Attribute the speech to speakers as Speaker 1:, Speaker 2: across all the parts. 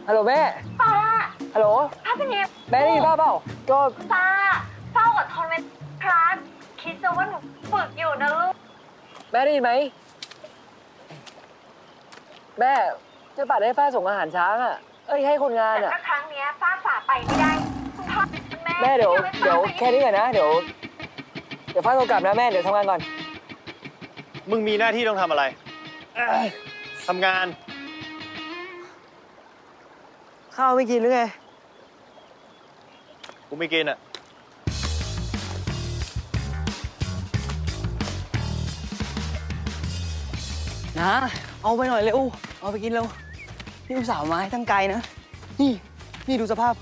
Speaker 1: ฮัลโหลแม่
Speaker 2: ป้า
Speaker 1: ฮัลโหล
Speaker 2: ถ้าเป็นนี้
Speaker 1: แม่ได้ยินป้าเปล่าก็
Speaker 2: ป้าอดทนไว้ครับคิดซะว่าหนูฝึกอยู่นะลูก
Speaker 1: แม่ได้ยินไหมแม่จะปัดให้ฟ้าส่งอาหารช้างอ่ะให้คนงาน
Speaker 2: แต่
Speaker 1: อ่ะ
Speaker 2: ถ้าครั้งนี้ป้าฝ่าไปไม่ได้คุณพ่อ
Speaker 1: แม่เดี๋ยวแค่นี้ก่อนนะเดี๋ยวฟ้าโทรกลับนะแม่เดี๋ยวทำงานก่อน
Speaker 3: มึงมีหน้าที่ต้องทำอะไรทำงาน
Speaker 1: ข้าวไม่กินหรือไง
Speaker 3: กูไม่กินอ่ะ
Speaker 1: นะเอาไปหน่อยเร็วเอาไปกินเร็วนี่อุตส่าห์มาให้ทั้งไกลนะนี่ดูสภาพ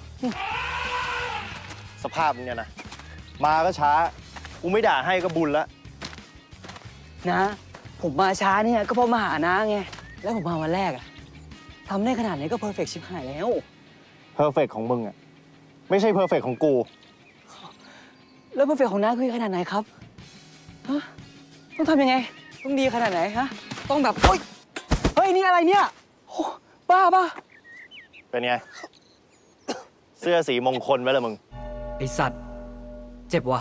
Speaker 3: สภาพมึงเนี่ยนะมาก็ช้ากูไม่ด่าให้ก็บุญละ
Speaker 1: นะผมมาช้าเนี่ยก็เพราะมาหาน้าไงแล้วผมมาวันแรกอะทำได้ขนาดนี้ก็เพอร์เฟกต์ชิบหายแล้ว
Speaker 3: เพอร์เฟกของมึงอ่ะไม่ใช่เพอร์เฟกของกู
Speaker 1: แล้วเพอร์เฟกของน้าคือขนาดไหนครับฮะต้องทำยังไงต้องดีขนาดไหนฮะต้องแบบเฮ้ยนี่อะไรเนี่ยบ้า
Speaker 3: เป็นไงเสื้อสีมงคลไหมล่ะมึง
Speaker 1: ไอสัตว์เจ็บว่ะ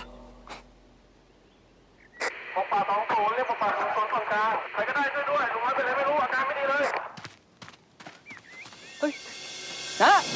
Speaker 4: ปป่า20เรียกปป่า0ส่วนกลางใครก็ได้ช่วยด้วยลุงน้อยเป็นอะไรไม่รู้อาการไม่ดีเลย
Speaker 1: เฮ้ยนะ